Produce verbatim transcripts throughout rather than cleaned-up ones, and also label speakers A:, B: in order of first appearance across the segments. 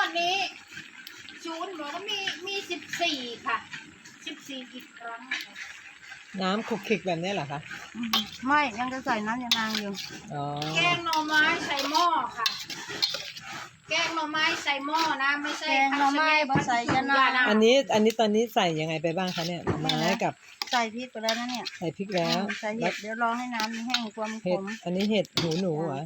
A: วดนี้ศูนย์บอกว่ามีมีสิบสี่ค่ะสิบสี่อีกครั้ง
B: น้ำคลุกคลิกแบบนี้เหรอคะ
C: ไม่ยังจะใส่น้ำยานางอยู่
B: อ๋อ
A: แกงหน่อไม้ใส่หม้อค่ะแกงหน่อไม้ใส่หม้อนะไม่ใช่
C: แกงหน่อไม้บ่ใส่ยานาง
B: อันนี้อันนี้ตอนนี้ใส่ยังไงไปบ้างคะเนี่ยหน่อไม้กับ
C: ใส่พริกไปแล้วนะเนี่ย
B: ใส่พริกแล้ว
C: ใส่เห็ดเดี๋ยวรอให้น้ำแห้งความข
B: เห็ด
C: ม
B: อันนี้เห็ดหูหนูเหรอ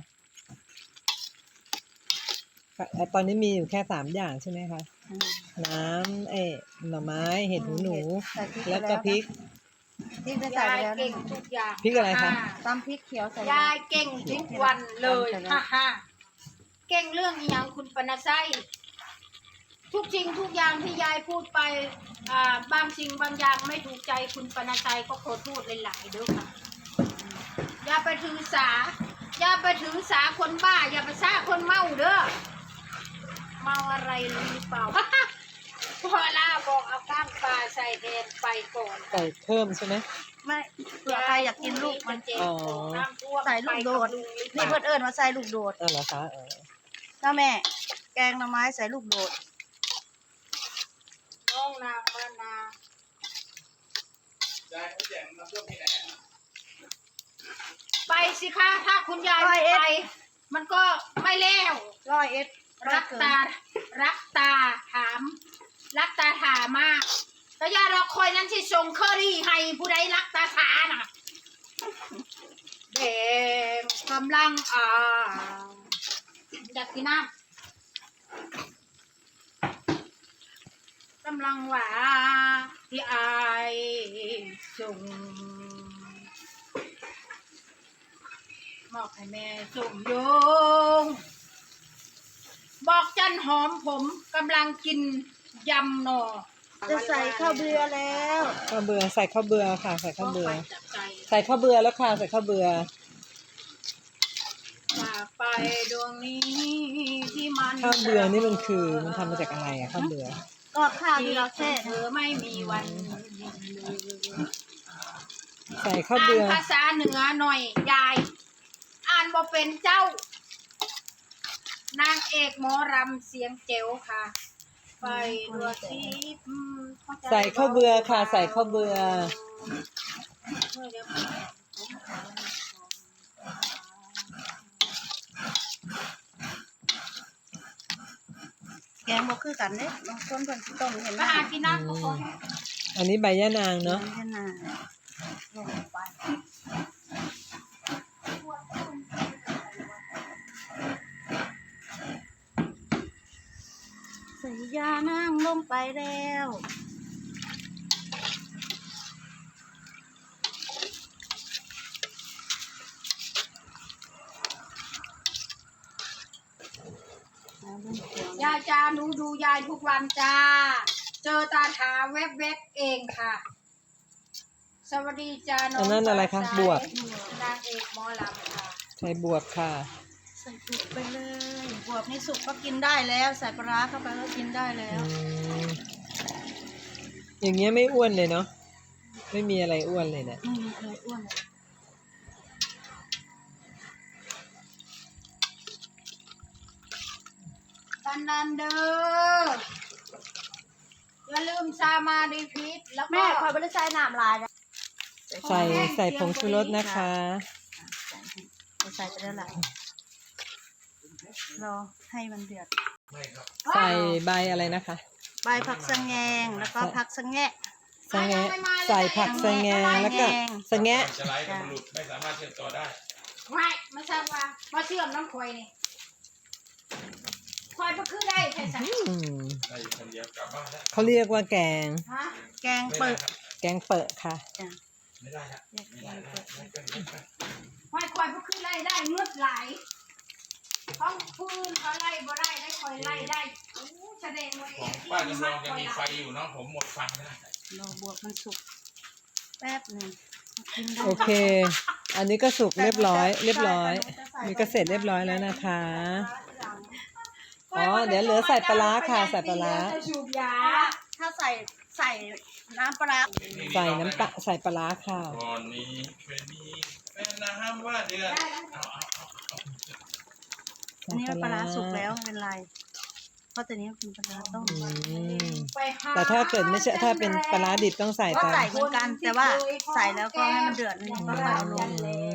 B: ตอนนี้มีอยู่แค่สามอย่างใช่ไหมคะน้ำเอ๊ะหน่อไม้เห็ดหูหนูแล้วก็พริก
C: พริกได้ใส่ไปแล้ว
A: เก่งทุกอย่าง
B: พริกอะไรคะ
C: ตำพริกเขียวใส่
A: ยายเก่งทุกวันเลยฮ่าฮ่าเก่งเรื่องอย่างคุณปนไซทุกสิ่งทุกอย่างที่ยายพูดไปอ่าบางสิ่งบางอย่างไม่ถูกใจคุณปนไซก็ขอโทษหลายๆด้วยค่ะอย่าไปถือสาอย่าไปถือสาคนบ้าอย่าไปซ่าคนเมาเด้อเมาอะไรหรือเปล่าพอล่าบอกเอาก้างปลาใส่แทนไปก่อน
B: ใส่เพิ่มใช่ไหม
C: ไม่เผื่อใครอยากกินลูกมันเจ็บใส่ลูกโดดนี่เพื่อนเอิญมาใส่ลูกโดด
B: เออเหรอคะเออ
C: เจ้าแม่แกงหน่อไม้ใส่ลูกโดด
A: น้องนางมานาไปสิคะถ้าคุณยายไม่ไปมันก็ไม่แล้ว
C: ร้อยเอ็ด
A: รักตารักตาถามรักตาถามากแต่ยาเราคอยนั้นที่ส่งเคอรี่ให้ผู้ใดรักตาถาน่ะเด็กกำลังอ่าอยากกินน้ำกำลังว่าที่อายส่งมอบให้แม่ส่งโยงบอกจันหอมผมกำลังกินยำหน่อ
C: จะใส่ข้าวเบื่อแล้ว
B: ข้าวเบื่อใส่ข้าวเบื่อค่ะใส่ข้าวเบื่อใส่ข้าวเบื่อแล้วค่ะใส่ข้าวเบื่อ
A: จากไปดวงนี้ที่มัน
B: ข้าวเบื่อนี่มันคือมันทำมาจากอะไรอะข้าวเบื่อ
C: ก็ข้าวที่เราแช่
A: เธอไม่มีวัน
B: ใส่ข้าวเบื่อ
A: ภาษาเหนือหน่อยยายอ่านบ่เป็นเจ้า นางเอกหมอรำเสียงเจ๋วค่ะไปดวงที่
B: ใส่ข้าวเบื่อค่ะใส่ข้าวเบื่อ
C: แกงบ่คือกันเด้บางคนเพิ่นสิต้มเห็นไหม
A: หากินน้ำทุกคน
B: อันนี้ใบยะนางเนาะ
C: ใบยะนางลงไปใส่ยานางลงไปแล้ว
A: ยายจ้าหนูดูยายทุกวันจ้าเจอตาถาแวบๆเองค่ะสวัสดีจ้าน้อง
B: อันนั้นอะไรคะบวบ
A: นางเอกหมอลำค่ะ
B: ใส่บวบค่ะ
C: ใส่บวบไปเลยบวบนี่สุกก็กินได้แล้วใส่ปลาร้าเข้าไปก็กินได้แล้ว
B: อย่างเงี้ยไม่อ้วนเลยเนาะไม่มีอะไรอ้วนเลยเนี่ย
C: ไม่มีอะไรอ้วน
A: กันนันเดอร์อย่าลืมซามาดีพิษแล้วก็
C: แม่คอยบริษัทน้ำลายนะ
B: ใส่ใส่ผงชูรสนะคะ
C: ใส่ไปแล้วแหละรอให้มันเดือด
B: ใส่ใบอะไรนะคะ
C: ใบผักสะแงงแล้วก็ผักสะแงะ
B: สะแงะใส่ผักสะแงงแล้วก็สะแงะ
D: จะไล่กับมันหลุดไม่สามารถเชื่อมต่อได้
A: ไม่ไม่ทราบว่ามาเชื่อมน้ำควายนี่ควายก็คือได้แค่สั่ง
D: ได้อยู่คนเดียวกลับบ้านแล้ว
B: เขาเรียกว่าแกง
C: แกงเปิด
B: แกงเปิดค่ะ
D: ไม่ได้ครับไม่ได้
A: ควายควายก็คือไล่ได้เงือกไหลห้องพื้นเขาไล่บ่ได้ได้คอยไล่ได้แสดงว่า
D: ของป้าจำลองจะมีไฟอยู่เนาะผมหมดไฟแล้ว
C: รอบวกมันสุกแป๊บหนึ่ง
B: โอเคอันนี้ก็สุกเรียบร้อยเรียบร้อยนี่ก็เสร็จเรียบร้อยแล้วนะคะอ๋อเดี๋ยวเหลือใส่ปลาค่ะใส่ปลา
C: ถ้าใส่ใส่น้ำปลา
B: ใส่น้ำปลาใส่ปลาค่ะ
D: ก่อนนี้เป็นนี้เป็นน้ำว่าเดือด
C: อันนี้ปลาสุกแล้วเป็นไรราะตัวนี้เป็นปลาร้าต้ม
B: อืม
A: ไปห
B: แต่ถ้าเกิดไม่ใช่ถ้าเป็นปลาร้าดิบต้องใส่
C: ก็
B: ตาม
C: ใส่เหมือนกันแต่ว่าใส่แล้วก็ให้มันเดือดนิดนึงก็ค่อยเอาลง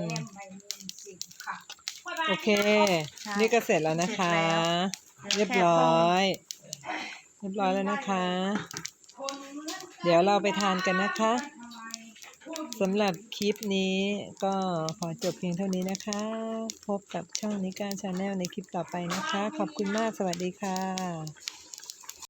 B: โอเค นี่ก็เสร็จแล้วนะคะ เรียบร้อย เรียบร้อยแล้วนะคะ เดี๋ยวเราไปทานกันนะคะสำหรับคลิปนี้ก็ขอจบเพียงเท่านี้นะคะ พบกับช่องนิการชาแนลในคลิปต่อไปนะคะ ขอบคุณมากสวัสดีค่ะ